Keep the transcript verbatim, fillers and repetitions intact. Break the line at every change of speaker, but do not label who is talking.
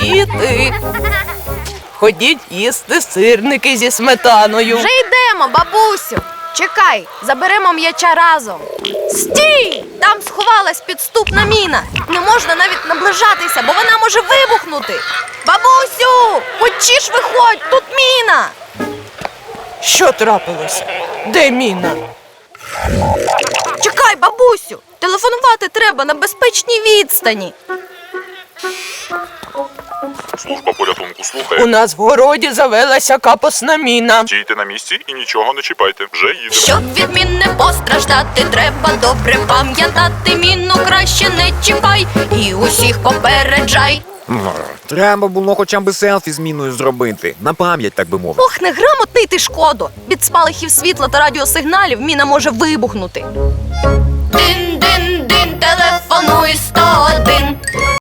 Діти, ходіть їсти сирники зі сметаною.
Вже йдемо, бабусю. Чекай, заберемо м'яча разом. Стій! Там сховалась підступна міна. Не можна навіть наближатися, бо вона може вибухнути. Бабусю, хочеш виходь, тут міна.
Що трапилося? Де міна?
Чекай, бабусю, телефонувати треба на безпечній відстані.
Служба порятунку
У
слухає.
нас в городі завелася капосна міна.
Стійте на місці і нічого не чіпайте. Вже їдемо.
Щоб від мін не постраждати, треба добре пам'ятати. Міну краще не чіпай і усіх попереджай.
Треба було хоча б селфі з міною зробити. На пам'ять, так би мовити.
Ох, неграмотний ти, Шкодо! Від спалахів світла та радіосигналів міна може вибухнути. Дин-дин-дин, телефонуй сто один.